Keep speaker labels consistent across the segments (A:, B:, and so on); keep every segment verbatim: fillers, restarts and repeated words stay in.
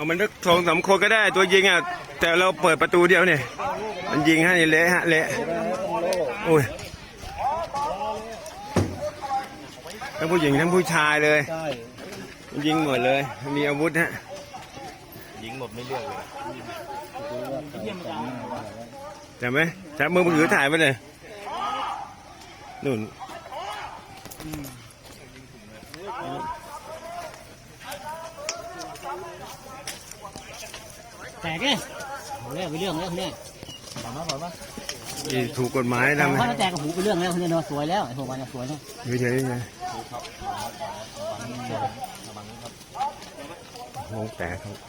A: เอามันสักสองสามคนก็ได้ตัวยิงอ่ะแต่เราเปิดประตูเดียวเนี่ยมันยิงให้เละฮะเละโอ้ยทั้งผู้หญิงทั้งผู้ชายเลยยิงหมดเลยมีอาวุธฮะ
B: ยิงหมดไม่เลือกเลย
A: จำไหมจับมือถือถ่ายไปเลยนู่น
C: แตกเลยเรื่องไปเรื่องแล้วเนี่ยถามมาถามมา
A: ถูกกฎหมายทำไม
C: เขาแตกกับหูไปเรื่องแล้วเนี่ยเนาะสวยแล้วไอ้พวกมันสวยแล้ว
A: ไม่ใช่ไงโอ้แตกครับ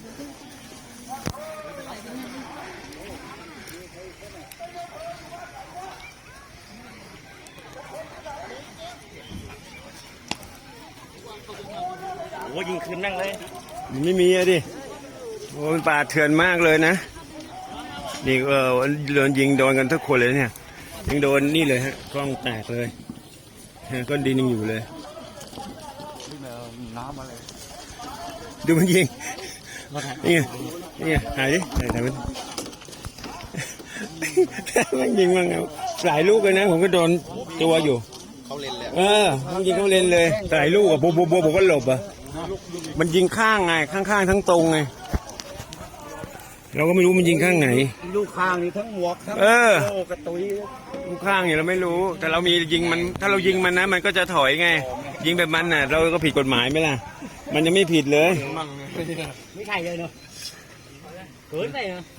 B: โอ้ยิงคืนนั่งเลย
A: ไม่มีอะดิโอ้มันป่าเถื่อนมากเลยนะนี่เออโดนยิงโดนกันทุกคนเลยเนี่ยยังโดนนี่เลยฮะกล้องแตกเลยก้อนดินยังอยู่เลย
B: น้ำอะไร
A: ดูมันยิงนี่ไงนี่ไงหายดิหายแต่มันมันยิงมันเอาหลายลูกเลยนะผมก็โดนตัวอยู่
B: เขาเล่นแล้ว
A: เออมันยิงเขาเล่นเลยหลายลูกอ่ะโบโบโบผมก็หลบอ่ะมันยิงข้างไงข้างๆทั้งตรงไงเราก็ไม่รู้มันยิงข้างไหน
B: ลูกข้างนี่ทั้งหมวกทั้งโอ้กระตุย
A: ลูกข้างเนี่ยเราไม่รู้แต่เรามียิงมันถ้าเรายิงมันนะมันก็จะถอยไงยิงแบบมันน่ะเราก็ผิดกฎหมายไหมล่ะมันยังไม่ผิดเลย
C: ไม่ใช่เลยเนาะเกินไปเนาะ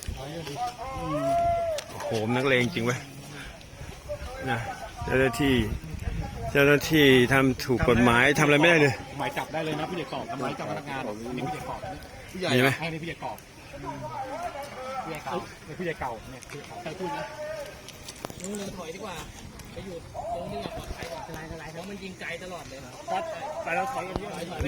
A: โหมนักเลงจริงเว้ยนะเจ้าหน้าที่เจ้าหน้าที่ทำถูกกฎหมายทำอะไรไม่ได้เลย
D: หมายจับได้เลยนะพี่เด็กกอบทำร้ายเจ้าพนักงานนี่พี่เด็กกอบ
A: ผู้ใหญ่ไหม
D: ให้พี่เด็กกอบพี่เด็กเก่าพี่เด็กเก่าเนี่ยคือใครพูดนะ
C: มึงถอยดีกว่าไปอยู่ตรงนี้ปลอดภัยกว่าอะไรอะไรเพราะมันยิงไกลตลอดเลยครับแต่เราถอยกันเยอะ